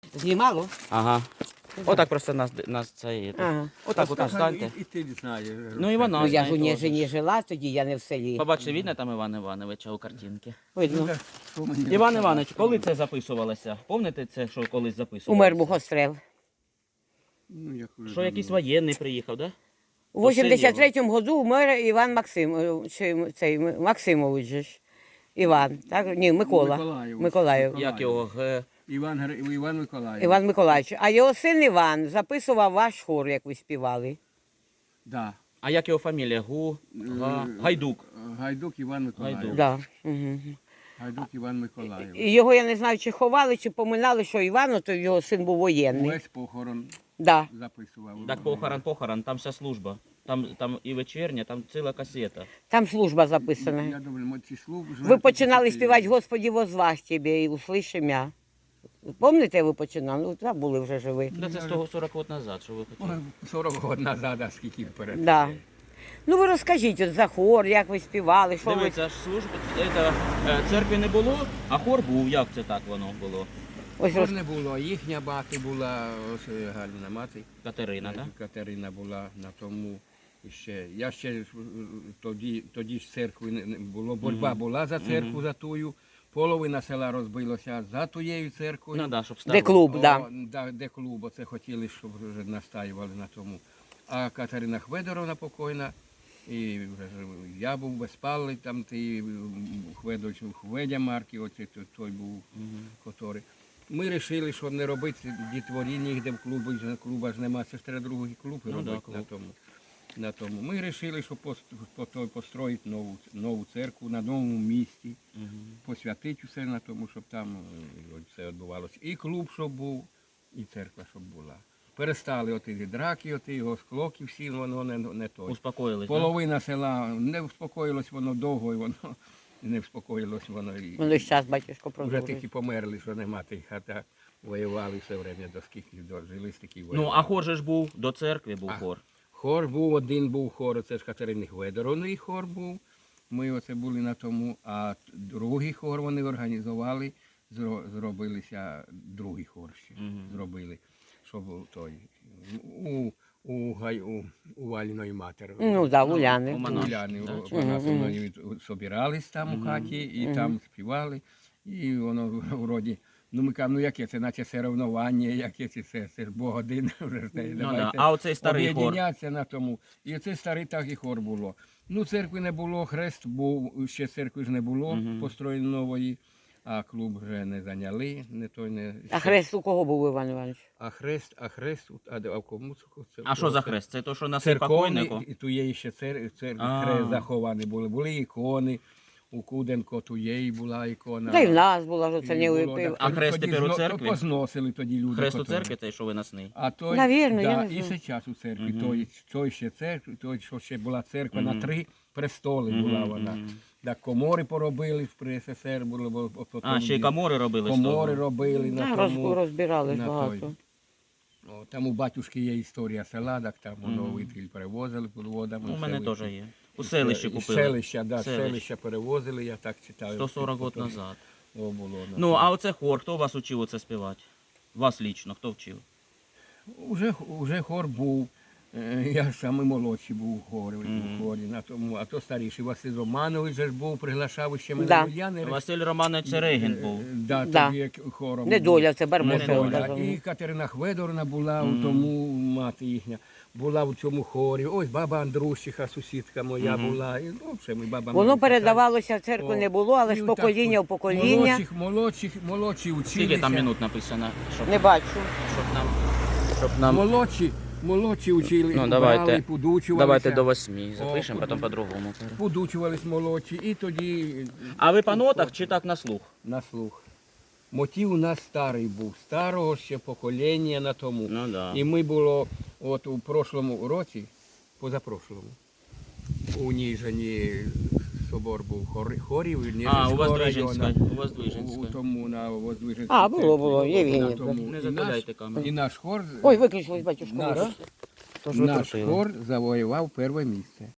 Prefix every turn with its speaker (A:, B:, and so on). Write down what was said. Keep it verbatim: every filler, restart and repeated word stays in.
A: Знімало?
B: Ага. Отак просто нас, нас це є.
A: Ага.
B: Отак от встаньте.
C: І, і ти знаєш.
B: Ну і вона
A: Ну, я ж
B: знає
A: у ній
B: теж.
A: жені жила, тоді я не в селі.
B: Побачите, видно там Івана Івановича у картинці?
A: Видно.
B: Іван Іванович, коли це записувалося? Пам'ятаєте це, що колись записувалося?
A: Умер Богострел.
C: Ну, як вже
B: Що якийсь воєнний приїхав, так? Да?
A: У вісімдесят третьому году умер Іван Максим, чи цей Максимович же ж. Іван, так? Ні, Микола.
C: Миколаїв.
A: Миколаїв.
B: Як його? Г...
C: Іван, Гри- Іван Миколаїв.
A: Іван Миколаївич. А його син Іван записував ваш хор, як ви співали.
C: Да.
B: А як його фамілія? Гу... Га...
C: Е,
B: Гайдук.
C: Гайдук Іван Миколаїв.
B: Гайдук.
A: Да. Угу.
C: Гайдук Іван Миколаїв.
A: І його, я не знаю, чи ховали, чи поминали, що Івану, то його син був воєнний.
C: Увесь похорон
A: Да.
C: записував.
B: Так похорон, похорон, там вся служба. Там, там і вечірня, там ціла касета.
A: Там служба записана.
C: Я думаю, ці служби...
A: Ви починали співати «Господи, возвах тебе і услышим я». Пам'ятаєте, ви починали? Ну, там були вже живі.
B: Да це сто сорок років назад, що ви хотіли.
C: Ой, сорок років назад, а скільки вперед.
A: Да. Ну ви розкажіть от за хор, як ви співали, що ви...
B: Дивіться, ж служби, це, е, церкви не було, а хор був. Як це так воно було?
A: Ось
C: Хор
A: роз...
C: не було, їхня мати була, ось е, Галина мати.
B: Катерина, так?
C: Катерина була на тому ще. Я ще е, тоді, тоді ж церкви не не було. Боротьба була за церкву, за тую. Половина села розбилося за тією церквою.
B: Ну да, щоб
A: Де
B: ставити.
A: клуб,
C: О,
A: да.
C: да, де клуб, оце хотіли, щоб вже настаювали на тому. А Катерина Хведоровна покойна, і вже ж я був безпалий, там ти Хведович, Хведя Марки, оце той, той був, котрий. Ми вирішили, що не робити дітворі нігде в клубі, клуба ж нема, це ж треба другий клуб
B: Ну,
C: робити
B: да, клуб.
C: на тому. На тому. Ми вирішили, що пост- по- той построїти нову, нову церкву на новому місці, посвятити все на тому, щоб там е, все відбувалося. І клуб, щоб був, і церква, щоб була. Перестали оті драки, оті його склоки всі, воно не, не той.
B: Успокоїлись, так?
C: Половина села не вспокоїлось воно довго, і воно не вспокоїлось воно. І
A: Ну, і зараз, батюшко,
C: вже
A: продовжує.
C: тільки померли, що нема тих, а так воювали все время, до скільки дожили, стільки
B: Ну,
C: воювали.
B: а хор же ж був, до церкви був
C: А.
B: хор.
C: Хор був, один був хор, це ж Катерини Хведоровної хор був. Ми оце були на тому, а другий хор вони організували, зро- зробилися другий хор ще зробили, щоб той у, у, гай- у, у Вальної матері.
A: Ну, да, Уляни.
B: у Монах.
C: Уляни,
B: Да,
C: у нас вони собирались там у хаті і там співали. І воно вроді, ну ми кажемо, ну яке це, наче соревнування, яке це, це, це ж Бог один, вже ж
B: Ну, да.
C: давайте
B: А оцей старий хор.
C: об'єднятися на тому. І оцей старий так і хор було. Ну, церкви не було, хрест був, ще церкви ж не було, построєно нової, а клуб вже не зайняли, не той не...
A: А хрест у кого був, Іван Іванович?
C: А хрест, а хрест, а, де- а в кому це?
B: А що за хрест? Це то, що на
C: Церковний,
B: покойнику?
C: і ту є ще цер, цер,
B: А.
C: хрест захований були. Були ікони, у Куденко ту є була ікона.
A: Та й в нас була, що це
C: І
A: не
C: було,
A: випив.
C: так,
B: А хрест
C: тоді
B: тепер у
C: зно-
B: церкві?
C: то позносили тоді люди.
B: Хрест у
C: котрі.
B: церкві, той, що виносний.
C: А той,
A: Навірно, я
C: да,
A: не
C: і
A: знаю.
C: зараз у церкві, той, той ще церкві, той, що ще була церква на три престоли була вона. Так комори поробили при СССР, було, бо потім
B: А, ще й комори робили з
C: комори
B: того.
C: робили на
A: Да, роз,
C: тому.
A: розбирали ж
C: на
A: багато.
C: той. О, там у батюшки є історія села, так там воно витиль перевозили під водами.
B: У мене
C: все
B: теж
C: витиль.
B: є. У селищі
C: Із
B: купили.
C: Селища, да,
B: Селище.
C: селища перевозили, я так читаю.
B: сто сорок років
C: Потім-
B: назад.
C: О, було, на
B: Ну,
C: тому.
B: а оце хор, хто вас учив оце співати? Вас лічно, хто вчив?
C: Уже, уже хор був. Е, Я самий молодший був у хорі, у хорі на тому, а то старіший Василь Романович же ж був, приглашав ще мене.
A: Да.
C: Ну, я не
B: Василь Романович Серегін
C: Е,
B: був.
C: Да,
A: Да.
C: тоді як хором.
A: Недоля, це
C: був.
A: Барбосов.
C: Недоля.
A: казав.
C: І Катерина Хведоровна була у тому, мати їхня, була у цьому хорі. Ось баба Андрущиха, сусідка моя була. І, ну, все, ми баба
A: Воно
C: Марика,
A: передавалося в церкву
C: О,
A: не було, але
C: і
A: з
C: отак
A: покоління в
C: от
A: покоління.
C: Молодших, молодших, молодші училися.
B: Скільки там минут написано? Щоб,
A: Не бачу.
B: щоб нам... Щоб нам...
C: Молодші, молодші учили,
B: Ну,
C: брали,
B: давайте,
C: подучувалися.
B: давайте до восьми запишемо,
C: О,
B: потім по-другому.
C: Подучувались молодші, і тоді
B: А ви по нотах чи так на слух?
C: на слух. Мотив у нас старий був, старого ще покоління на тому.
B: Ну да.
C: І ми було от у прошлому році, позапрошлому, у Ніжині собор був хор, хорів.
B: А, у вас
C: Ніжинського
B: Движенська.
C: району.
B: У вас
C: У
B: Движенська.
C: тому на Воздвиженській
A: А, було,
C: церкві.
A: було, Євгенія.
C: На тому.
B: Не
C: І
B: затуляйте
C: наш-
B: камеру.
C: І наш хор,
A: Ой, виключилось, батюшко.
C: наш,
A: да?
B: Тож ви
C: наш
B: крутили.
C: хор завоював перше місце.